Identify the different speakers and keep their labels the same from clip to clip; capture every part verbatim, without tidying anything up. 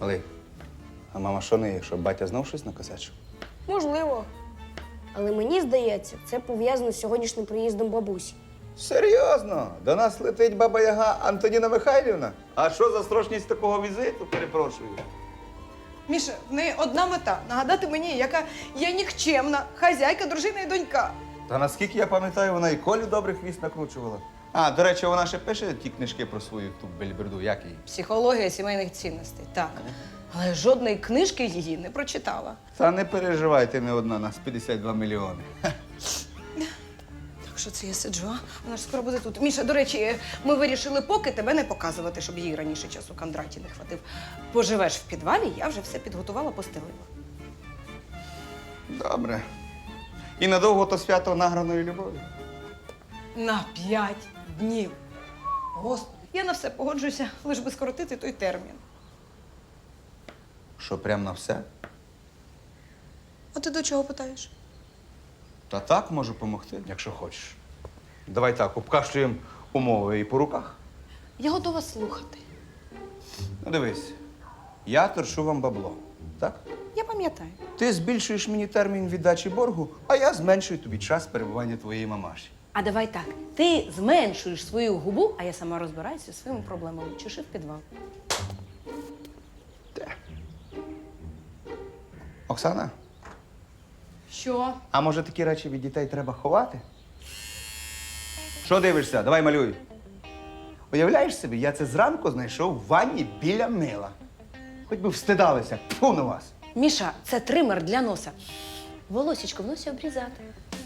Speaker 1: Олег, а мама що не, якщо батя знов щось накосячив?
Speaker 2: Можливо. Але мені здається, це пов'язано з сьогоднішнім приїздом бабусі.
Speaker 1: Серйозно? До нас летить баба-яга Антоніна Михайлівна? А що за строчність такого візиту, перепрошую?
Speaker 3: Міша, в неї одна мета – нагадати мені, яка я нікчемна, хазяйка, дружина і донька.
Speaker 1: Та наскільки я пам'ятаю, вона і Колі добрих хвіст накручувала. А, до речі, вона ще пише ті книжки про свою ту бельберду, як її?
Speaker 3: Психологія сімейних цінностей, так. Але жодної книжки її не прочитала.
Speaker 1: Та не переживай, ти не одна, нас п'ятдесят два мільйони.
Speaker 3: Так що це я сиджу, а? Вона ж скоро буде тут. Міша, до речі, ми вирішили поки тебе не показувати, щоб їй раніше часу Кондраті не хватив. Поживеш в підвалі, я вже все підготувала, постелила.
Speaker 1: Добре. І надовго то свято награної любові?
Speaker 3: На п'ять днів. Господи, я на все погоджуюся, лиш би скоротити той термін.
Speaker 1: Що, прям на все?
Speaker 3: А ти до чого питаєш?
Speaker 1: Та так можу допомогти, якщо хочеш. Давай так, обкашлюємо умови і по руках.
Speaker 3: Я готова слухати.
Speaker 1: Ну дивись, я торшу вам бабло, так?
Speaker 3: Я пам'ятаю.
Speaker 1: Ти збільшуєш мені термін віддачі боргу, а я зменшую тобі час перебування твоєї мамаші.
Speaker 3: А давай так. Ти зменшуєш свою губу, а я сама розбираюся зі своїми проблемами. Чеши в підвал.
Speaker 1: Де? Оксана,
Speaker 3: Що?
Speaker 1: а може такі речі від дітей треба ховати? Що дивишся? Давай малюй. Уявляєш собі, я це зранку знайшов в ванні біля мила. Хоч би встидалися. Тьфу на вас.
Speaker 3: Міша, це тример для носа. Волосічко в носі обрізати.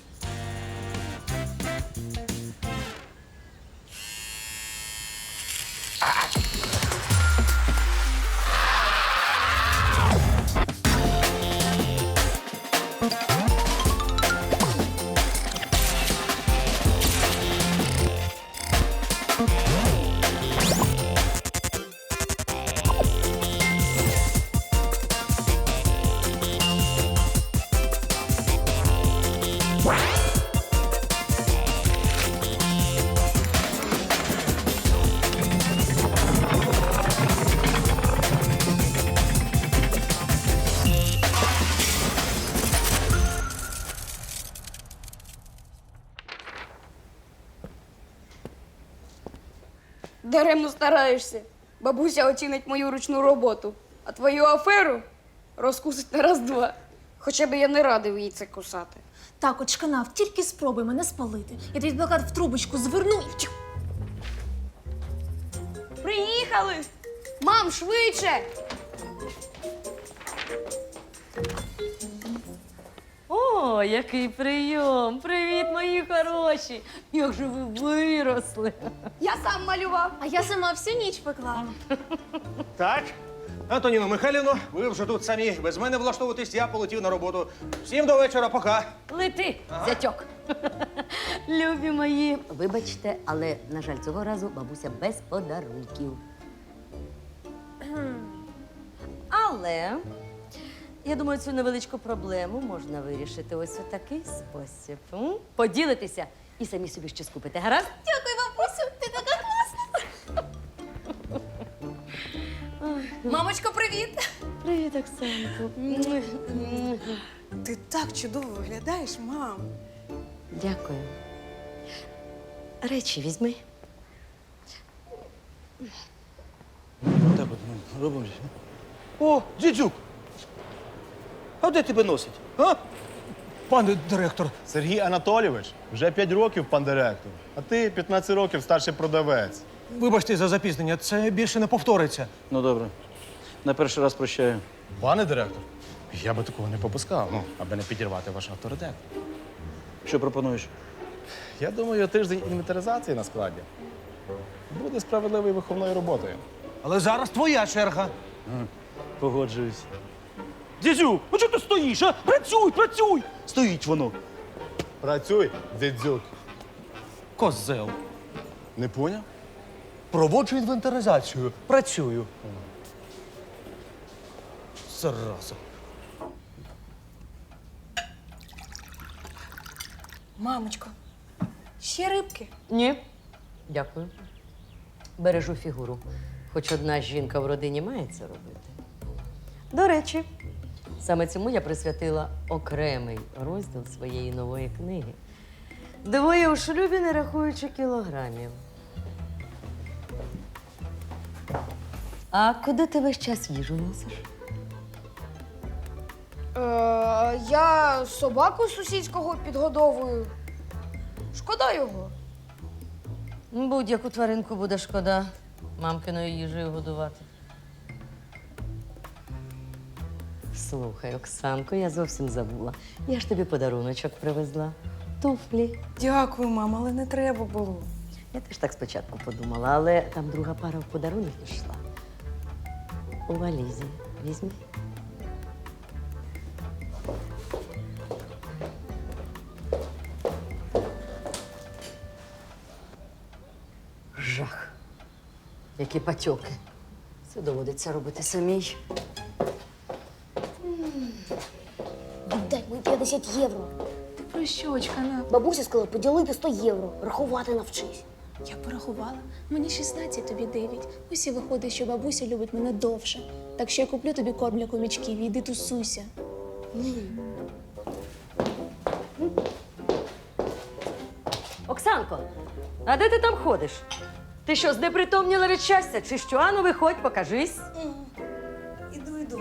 Speaker 2: Даремно стараєшся. Бабуся оцінить мою ручну роботу, а твою аферу розкусить на раз-два. Хоча б я не радив їй це кусати.
Speaker 4: Так, от шканав, тільки спробуй мене спалити. Я твій плакат в трубочку зверну і втю.
Speaker 2: Приїхали! Мам, швидше!
Speaker 5: О, який прийом! Привіт, мої хороші! Як же ви виросли!
Speaker 2: Я сам малював.
Speaker 4: А я сама всю ніч пекла.
Speaker 6: Так, Антоніно Михайлівно, ви вже тут самі. Без мене влаштовуватись, я полетів на роботу. Всім до вечора, пока.
Speaker 5: Лети, зятьок! Любі мої! Вибачте, але, на жаль, цього разу бабуся без подарунків. Але я думаю, цю невеличку проблему можна вирішити ось у такий спосіб. М? Поділитися і самі собі щось купити. Гаразд?
Speaker 4: Дякую, бабусю, ти така класна. Мамочко, привіт!
Speaker 5: Привіт, Оксанко.
Speaker 3: Ти так чудово виглядаєш, мам.
Speaker 5: Дякую. Речі візьми.
Speaker 6: Так от ми робимо. О, дідюк! А де тебе носить? А? Пане директор.
Speaker 7: Сергій Анатолійович, вже п'ять років пан директор, а ти п'ятнадцять років старший продавець.
Speaker 6: Вибачте за запізнення, це більше не повториться.
Speaker 8: Ну добре. На перший раз прощаю.
Speaker 7: Пане директор, я би такого не попускав, ну, аби не підірвати ваш авторитет.
Speaker 8: Що пропонуєш?
Speaker 7: Я думаю, тиждень інвентаризації на складі буде справедливою виховною роботою.
Speaker 6: Але зараз твоя черга.
Speaker 8: Погоджуюсь.
Speaker 6: Дідюк, ну чого ти стоїш, а? Працюй, працюй! Стоїть воно.
Speaker 7: Працюй, дідзюк.
Speaker 6: Козел.
Speaker 7: Не поняв?
Speaker 6: Проводжу інвентаризацію. Працюю. Зараза.
Speaker 3: Мамочко, ще рибки?
Speaker 5: Ні. Дякую. Бережу фігуру. Хоч одна жінка в родині має це робити. До речі, саме цьому я присвятила окремий розділ своєї нової книги. Двоє у шлюбі, не рахуючи кілограмів. А куди ти весь час їжу носиш?
Speaker 2: Е, я собаку сусідського підгодовую. Шкода його.
Speaker 5: Будь-яку тваринку буде шкода мамкиною їжею годувати. Слухай, Оксанко, я зовсім забула. Я ж тобі подаруночок привезла. Туфлі.
Speaker 3: Дякую, мама, але не треба було.
Speaker 5: Я теж так спочатку подумала, але там друга пара в подарунок пішла. У валізі. Візьми. Жах. Які патьоки. Це доводиться робити самій.
Speaker 9: Віддай мої п'ятдесят євро.
Speaker 4: Ти про що, очкана?
Speaker 9: Бабуся сказала поділити сто євро. Рахувати навчись.
Speaker 4: Я порахувала. Мені шістнадцять, тобі дев'ять. Ось і виходить, що бабуся любить мене довше. Так що я куплю тобі корм для комічків і йди тусуйся.
Speaker 5: Оксанко, а де ти там ходиш? Ти що, знепритомніла від щастя? Чи що? Ану, виходь, покажись.
Speaker 3: Іду, іду.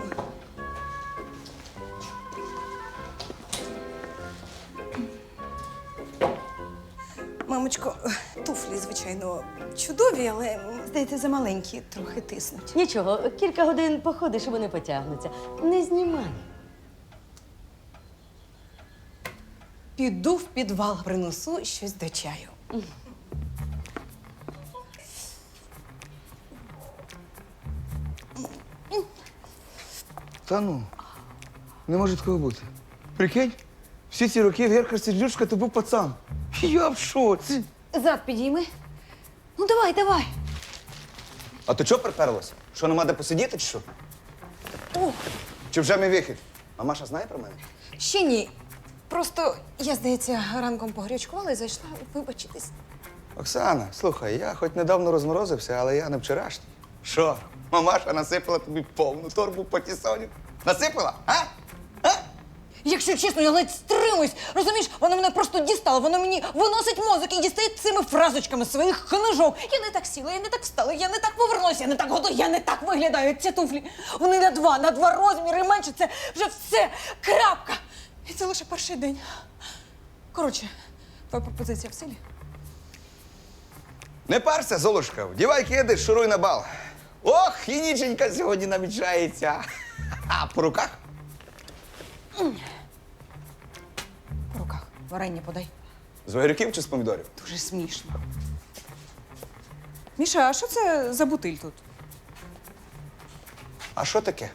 Speaker 3: Мамочко, туфлі, звичайно, чудові, але, здається, замаленькі, трохи тиснуть.
Speaker 5: Нічого, кілька годин походиш і вони потягнуться. Не знімай.
Speaker 3: Піду в підвал, принесу щось до чаю.
Speaker 1: Та ну, не може такого бути. Прикинь, всі ці роки Герка Сердючка то був пацан. Я в шоці.
Speaker 3: Зад підійми. Ну, давай, давай.
Speaker 1: А то чого приперлося? Що, нема де посидіти, чи що?
Speaker 3: О,
Speaker 1: Чи вже мій вихід? А Маша знає про мене?
Speaker 3: ще ні. Просто я, здається, ранком погрячкувала і зайшла вибачитись.
Speaker 1: Оксана, слухай, я хоч недавно розморозився, але я не вчорашній. Що, мамаша насипала тобі повну торбу патісонів? Насипала, а?
Speaker 3: Якщо чесно, я ледь стримуюсь. Розумієш, вона мене просто дістала, вона мені виносить мозок і дістає цими фразочками своїх книжок. Я не так сіла, я не так встала, я не так повернулася, я не так готова, я не так виглядаю. Ці туфлі, вони на два, на два розміри менше, це вже все, крапка. І це лише перший день. Коротше, твоя пропозиція в силі?
Speaker 1: Не парся, Золушка, вдівай киди, шуруй на бал. Ох, і ніченька сьогодні намічається. А по руках?
Speaker 3: По руках. Варення подай.
Speaker 1: З огірків чи з помідорів?
Speaker 3: Дуже смішно. Міша, а що це за бутиль тут?
Speaker 1: А що таке?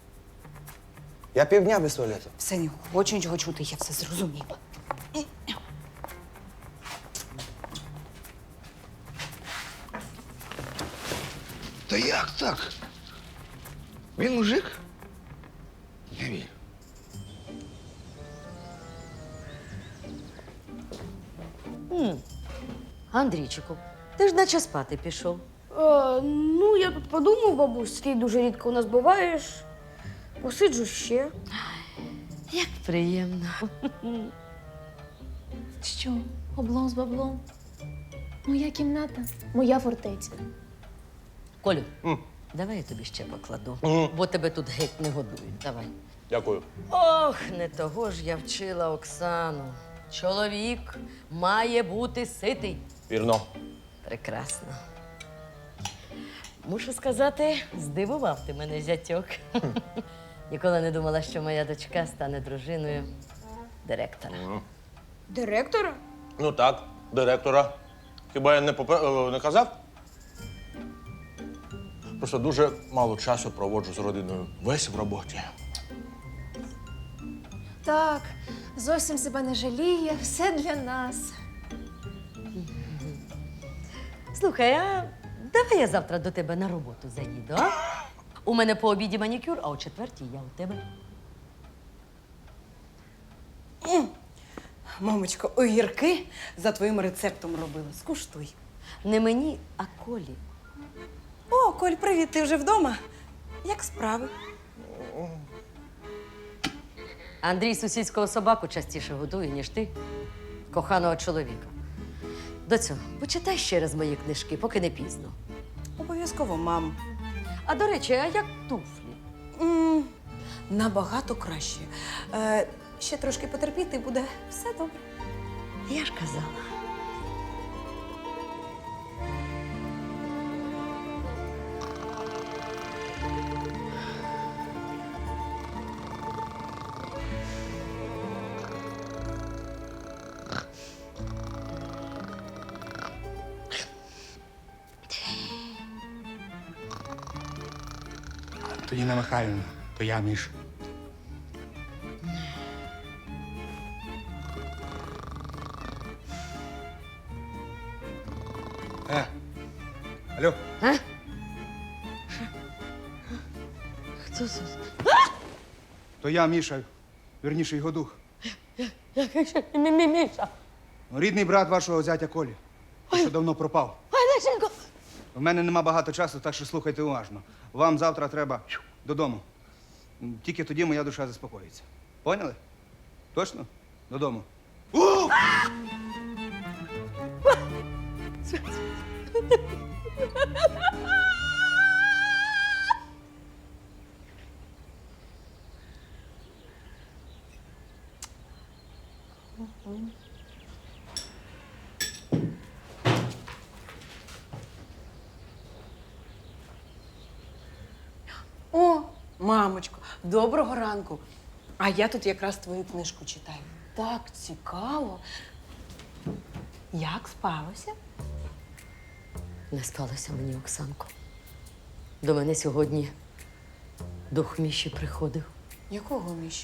Speaker 1: Я півдня без туалету.
Speaker 3: Все, не хочу нічого чути, я все зрозуміла.
Speaker 1: Та як так? Він мужик? Не вірю.
Speaker 5: Андрійчику, ти ж наче спати пішов.
Speaker 2: Е, ну, я тут подумав, бабусь, ти дуже рідко у нас буваєш. Посиджу ще.
Speaker 5: Як приємно.
Speaker 4: Що? Облом з баблом? Моя кімната, моя фортеця.
Speaker 5: Колю, давай я тобі ще покладу, бо тебе тут геть не годують. Давай.
Speaker 6: Дякую.
Speaker 5: Ох, не того ж я вчила Оксану. Чоловік має бути ситий.
Speaker 6: Вірно.
Speaker 5: Прекрасно. Мушу сказати, здивував ти мене, зятьок. Ніколи не думала, що моя дочка стане дружиною директора.
Speaker 2: Директора?
Speaker 6: Ну так, директора. Хіба я не, попе- е, не казав? Просто дуже мало часу проводжу з родиною. Весь в роботі.
Speaker 4: Так, зовсім себе не жаліє, все для нас.
Speaker 5: Слухай, а давай я завтра до тебе на роботу заїду, а? У мене по обіді манікюр, а о четвертій я у тебе.
Speaker 3: Мамочко, огірки за твоїм рецептом робила. Скуштуй.
Speaker 5: Не мені, а Колі.
Speaker 3: О, Коль, привіт, ти вже вдома? Як справи?
Speaker 5: Андрій сусідського собаку частіше годує, ніж ти, коханого чоловіка. Доцю, почитай ще раз мої книжки, поки не пізно.
Speaker 3: Обов'язково, мам.
Speaker 5: А до речі, а як туфлі?
Speaker 3: М, Набагато краще. Е, ще трошки потерпіти, буде все добре.
Speaker 5: Я ж казала.
Speaker 1: Антоніна Михайлівна, то я, Міш. Е, алло,
Speaker 5: Хто це?
Speaker 1: то я, Міша, вірніше, його дух.
Speaker 5: Який ще Мі-Мі-Міша?
Speaker 1: Рідний брат вашого зятя Колі, що давно пропав.
Speaker 5: Ой, Лешенько!
Speaker 1: В мене нема багато часу, так що слухайте уважно. Вам завтра треба додому. Тільки тоді моя душа заспокоїться. Поняли? Точно? Додому.
Speaker 3: О, мамочко, доброго ранку. А я тут якраз твою книжку читаю. Так цікаво. Як спалося?
Speaker 5: Не спалося мені, Оксанко. До мене сьогодні дух Міші приходив.
Speaker 3: Якого Міші?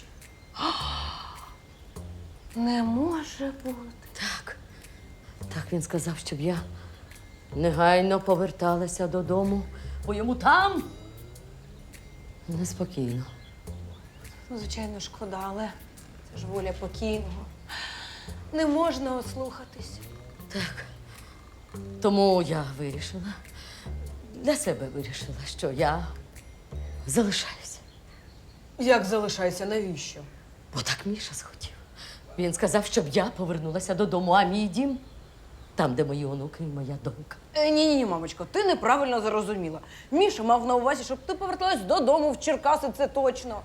Speaker 3: Не може бути.
Speaker 5: Так. Так він сказав, щоб я негайно поверталася додому, бо йому там неспокійно.
Speaker 3: Ну, звичайно, шкода, але це ж воля покійного. Не можна ослухатись.
Speaker 5: Так. Тому я вирішила, для себе вирішила, що я залишаюся.
Speaker 3: Як залишайся, навіщо?
Speaker 5: Бо так Міша схотів. Він сказав, щоб я повернулася додому, а мій дім там, де мої онуки і моя донька.
Speaker 3: Е, ні, ні, ні, мамочко, ти неправильно зрозуміла. Міша мав на увазі, щоб ти поверталась додому в Черкаси, це точно.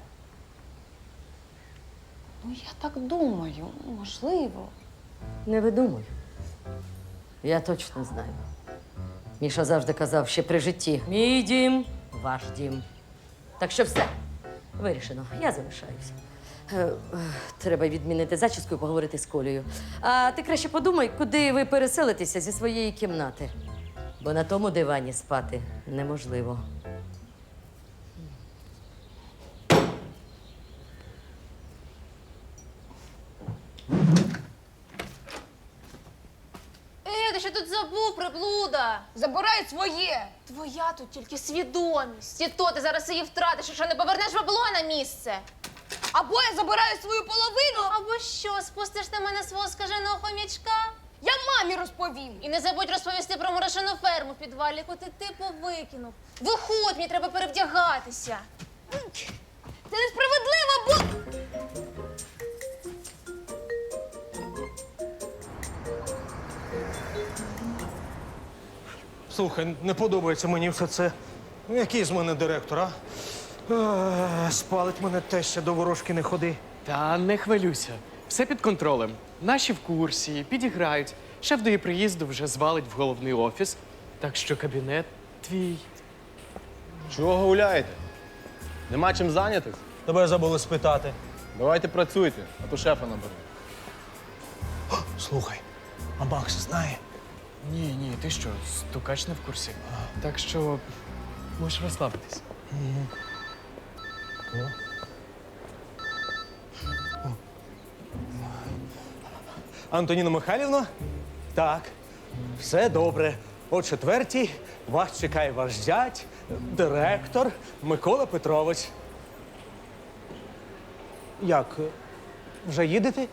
Speaker 3: Ну, я так думаю, можливо.
Speaker 5: Не видумуй. Я точно знаю. Міша завжди казав ще при житті: мій дім, ваш дім. Так що все, вирішено, я залишаюся. Е, е, Треба відмінити зачіску і поговорити з Колею. А ти краще подумай, куди ви переселитеся зі своєї кімнати. Бо на тому дивані спати неможливо.
Speaker 4: Е, ти що тут забув, приблуда?
Speaker 2: Забирай своє!
Speaker 4: Твоя тут тільки свідомість. І то ти зараз її втратиш, якщо не повернеш бабло на місце.
Speaker 2: Або я забираю свою половину,
Speaker 4: Або що, спустиш на мене свого скаженого хомячка?
Speaker 2: я мамі розповім.
Speaker 4: І не забудь розповісти про мурашину ферму в підвалі, яку ти типу викинув. Виходь, мені треба перевдягатися.
Speaker 2: Це несправедливо, бо...
Speaker 6: Слухай, не подобається мені все це. Ну, який з мене директор, а? Е, Спалить мене теща, до ворожки не ходи.
Speaker 10: Та не хвилюйся. Все під контролем. Наші в курсі, підіграють. Шеф до її приїзду вже звалить в головний офіс. Так що кабінет твій.
Speaker 7: Чого гуляєте? Нема чим зайнятись?
Speaker 6: Тебе забули спитати.
Speaker 7: Давайте працюйте, а то шефа наберу.
Speaker 6: Слухай, а Макс знає?
Speaker 10: Ні, ні, ти що, стукач не в курсі. Так що можеш розслабитись.
Speaker 6: Антоніна Михайлівна? Так, все добре. О четвертій вас чекає ваш зять, директор Микола Петрович. Як? Вже їдете?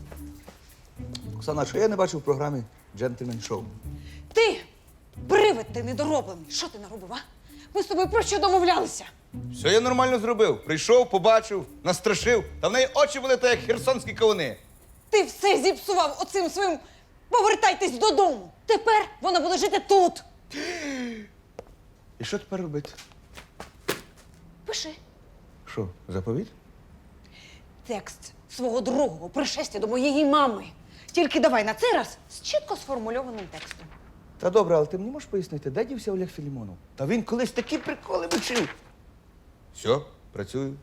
Speaker 1: Оксана, що я не бачив в програмі «Джентльмен Шоу»?
Speaker 3: Ти, привид Ти недороблений. Що ти наробив, а? Ми з тобою про що домовлялися?
Speaker 1: Все я нормально зробив. Прийшов, побачив, настрашив, та в неї очі були так, як херсонські кавуни.
Speaker 3: Ти все зіпсував оцим своїм «повертайтесь додому». Тепер вона буде жити тут.
Speaker 1: І що тепер робити?
Speaker 3: Пиши.
Speaker 1: Що, заповідь?
Speaker 3: Текст свого другого пришестя до моєї мами. Тільки давай на цей раз з чітко сформульованим текстом.
Speaker 1: Та добре, але ти мені можеш пояснити, де дівся Олег Філімонов? Та він колись такі приколи вчив. Все, працюю.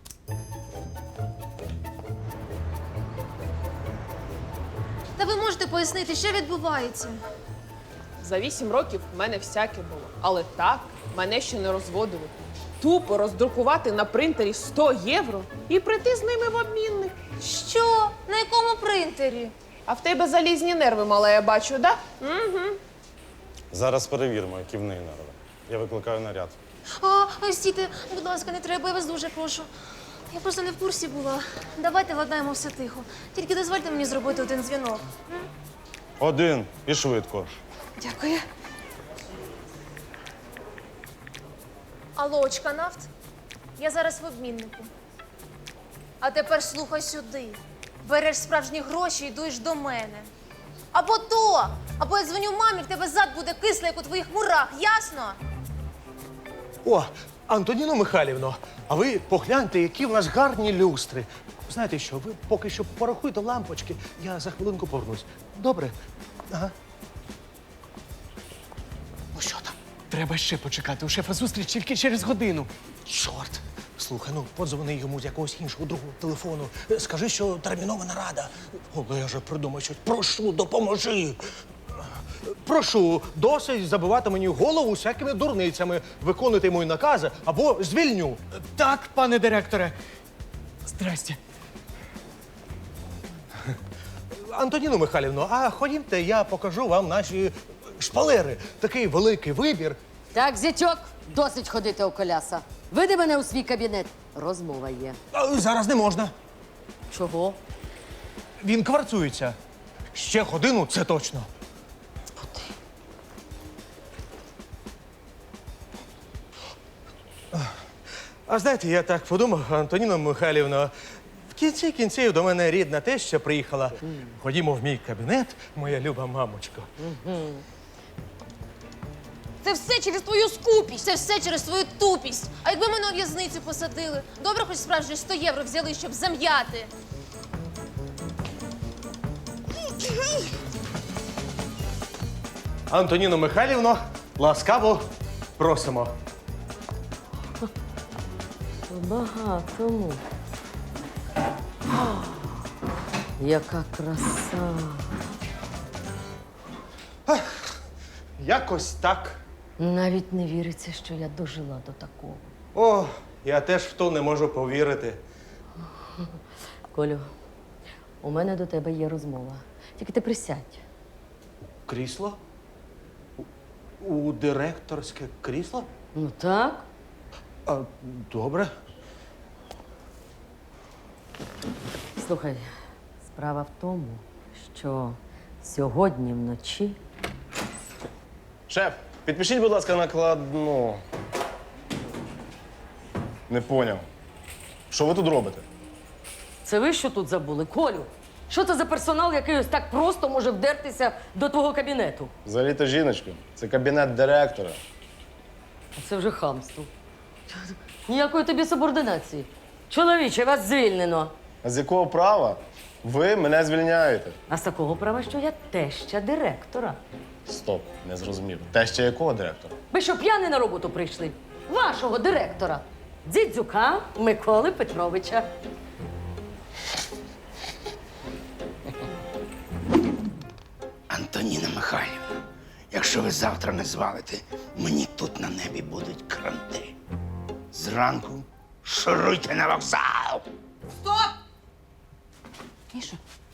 Speaker 4: Та ви можете пояснити, що відбувається?
Speaker 11: За вісім років в мене всяке було. Але так мене ще не розводили. Тупо роздрукувати на принтері сто євро і прийти з ними в обмінник.
Speaker 4: Що? На якому принтері?
Speaker 11: А в тебе залізні нерви, мала, я бачу, да? Угу.
Speaker 12: Зараз перевіримо, які в неї нерви. Я викликаю наряд.
Speaker 4: А, ой, стійте, будь ласка, не треба, я вас дуже прошу. Я просто не в курсі була. Давайте владнаємо все тихо. Тільки дозвольте мені зробити один дзвінок.
Speaker 12: Один і швидко.
Speaker 3: Дякую.
Speaker 4: Алло, Очканафт? Я зараз в обміннику. А тепер слухай сюди. Береш справжні гроші і йдеш до мене. Або то, або я дзвоню мамі, в тебе зад буде кислий, як у твоїх мурах, ясно?
Speaker 6: О, Антоніно Михайлівно, а ви погляньте, які в нас гарні люстри. Знаєте що, ви поки що порахуйте лампочки, я за хвилинку повернусь. Добре? Ага. Ну що там?
Speaker 10: Треба ще почекати. У шефа зустріч тільки через годину.
Speaker 6: Чорт! Слухай, ну подзвони йому з якогось іншого другого телефону. Скажи, що термінова нарада. Олеже, придумай щось. Прошу, допоможи. Прошу, досить забивати мені голову всякими дурницями. Виконуйте мої накази або звільню.
Speaker 10: Так, пане директоре. Здрасте.
Speaker 6: Антоніно Михайлівно, а ходімте, я покажу вам наші шпалери. Такий великий вибір.
Speaker 5: Так, зятьок, досить ходити у коляса. Веди мене у свій кабінет. Розмова є.
Speaker 6: А, зараз не можна.
Speaker 5: Чого?
Speaker 6: Він кварцується. Ще годину, це точно. А знаєте, я так подумав, Антоніно Михайлівно, в кінці кінців до мене рідна теща приїхала. Ходімо в мій кабінет, моя люба мамочко.
Speaker 4: Це все через твою скупість, це все через твою тупість. А якби мене у в'язницю посадили, добре хоч справжні сто євро взяли, щоб зам'яти.
Speaker 6: Антоніно Михайлівно, ласкаво просимо.
Speaker 5: Багатому. Яка краса.
Speaker 6: Якось так.
Speaker 5: Навіть не віриться, що я дожила до такого.
Speaker 6: О, я теж в то не можу повірити.
Speaker 5: Колю, у мене до тебе є розмова. Тільки ти присядь.
Speaker 6: Крісло? У, у директорське крісло?
Speaker 5: Ну так.
Speaker 6: А, добре.
Speaker 5: Слухай, справа в тому, що сьогодні вночі
Speaker 12: Шеф, підпишіть, будь ласка, накладну. Не поняв. Що ви тут робите?
Speaker 5: Це ви що тут забули? Колю, що це за персонал, який ось так просто може вдертися до твого кабінету?
Speaker 12: Взагалі-то жіночка. Це кабінет директора.
Speaker 5: Це вже хамство. Ніякої тобі субординації. Чоловіче, вас звільнено.
Speaker 12: А з якого права ви мене звільняєте?
Speaker 5: А з такого права, що я теща директора.
Speaker 12: Стоп, не зрозумів. Те ще якого директора?
Speaker 5: Ви що, п'яні на роботу прийшли? Вашого директора. Дзідзюка Миколи Петровича.
Speaker 13: Антоніна Михайлівна, якщо ви завтра не звалите, мені тут на небі будуть кранти. Зранку шуруйте на вокзал!
Speaker 3: Стоп! Міша,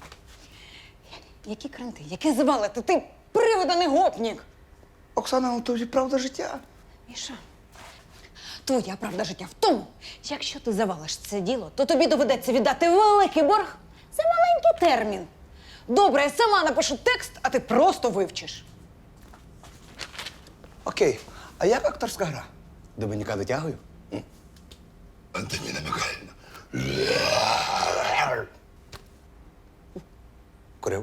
Speaker 3: які кранти, які звалити? Ти привиданий гопнік!
Speaker 1: Оксана, ну то ж правда життя.
Speaker 3: Міша, твоя правда життя в тому, якщо ти завалиш це діло, то тобі доведеться віддати великий борг за маленький термін. Добре, я сама напишу текст, а ти просто вивчиш.
Speaker 1: Окей. А як акторська гра? До баняка дотягую?
Speaker 13: Антоніна Михайлівна.
Speaker 1: Курив.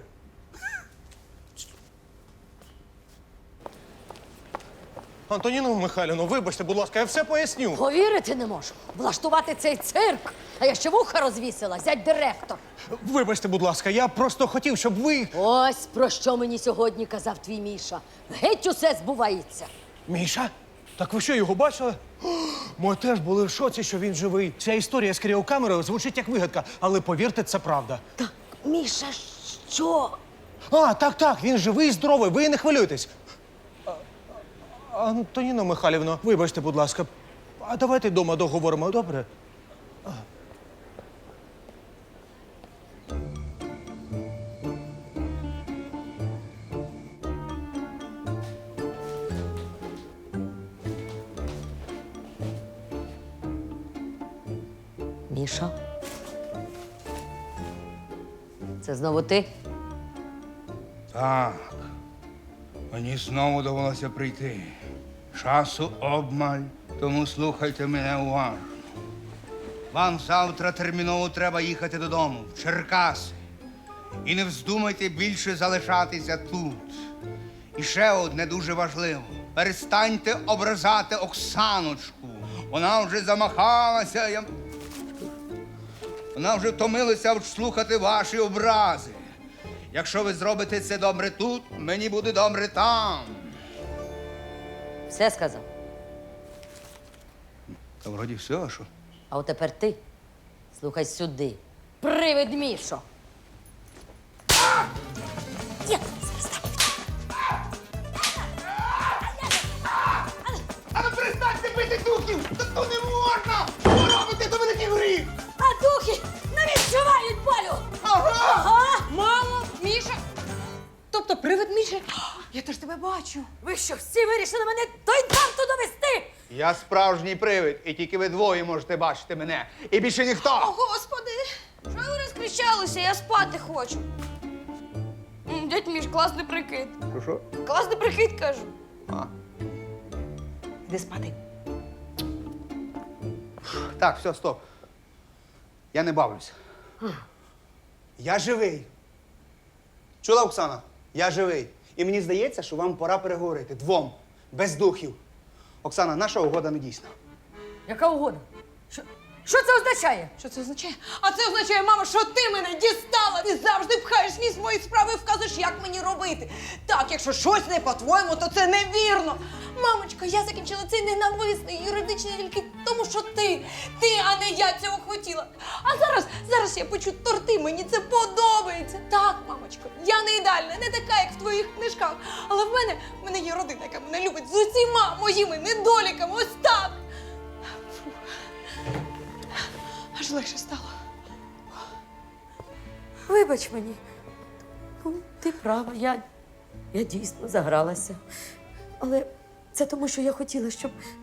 Speaker 6: Антоніно Михайлівно, вибачте, будь ласка, я все поясню.
Speaker 5: Повірити не можу. Влаштувати цей цирк. А я ще вуха розвісила, зять директор.
Speaker 6: Вибачте, будь ласка, я просто хотів, щоб ви.
Speaker 5: Ось про що мені сьогодні казав твій Міша. Геть усе збувається.
Speaker 6: Міша? Так ви що, його бачили? О, ми теж були в шоці, що він живий. Ця історія з кріокамерою звучить як вигадка, але повірте, це правда.
Speaker 5: Так, Міша, що?
Speaker 6: А, так, так, він живий і здоровий, ви не хвилюйтесь. А, Антоніно Михайлівно, вибачте, будь ласка, а давайте вдома договоримо, добре?
Speaker 5: Міша? Це знову ти?
Speaker 13: Так. Мені знову довелося прийти. Часу обмаль, тому слухайте мене уважно. Вам завтра терміново треба їхати додому, в Черкаси. І не вздумайте більше залишатися тут. І ще одне дуже важливо. Перестаньте ображати Оксаночку. Вона вже замахалася. Я... Вона вже втомилася слухати ваші образи. Якщо ви зробите це добре тут, мені буде добре там.
Speaker 5: Все сказав.
Speaker 13: Та вроді все, а що?
Speaker 5: А от тепер ти. Слухай сюди. Привид Мішо.
Speaker 13: А ну перестаньте бити духів! Та то не можна! Що робите, то великий гріх!
Speaker 5: А духи не відчувають болю!
Speaker 13: Ага!
Speaker 3: Ага, мамо, Міша. Тобто привид Міші? Я теж тебе бачу.
Speaker 5: Ви що, всі вирішили мене до інфаркту довести?
Speaker 1: Я справжній привид, і тільки ви двоє можете бачити мене. І більше ніхто.
Speaker 2: Господи, що ви розкричалися? Я спати хочу. М, Дядь Міш, класний прикид.
Speaker 1: Що, що?
Speaker 2: Класний прикид, кажу.
Speaker 1: А.
Speaker 3: Іди спати.
Speaker 1: Так, все, стоп. Я не бавлюся. Я живий. Чула, Оксана? Я живий. І мені здається, що вам пора переговорити. Двом. Без духів. Оксана, наша угода не дійсна.
Speaker 5: Яка угода? Що, що це означає?
Speaker 3: Що це означає? А це означає, мамо, що ти мене дістала! Ти завжди пхаєш ніс в мої справи і вказуєш, як мені робити. Так, якщо щось не по-твоєму, то це невірно. Мамочка, я закінчила цей ненависний юридичний тільки тому, що ти, ти, а не я цього хотіла. А зараз, зараз я печу торти, мені це подобається. Так, мамочко, я не ідеальна, не така, як в твоїх книжках. Але в мене, в мене є родина, яка мене любить з усіма моїми недоліками. Ось так. Аж легше стало.
Speaker 5: Вибач мені. Ну, ти права, я, я дійсно загралася. Але це тому, що я хотіла, щоб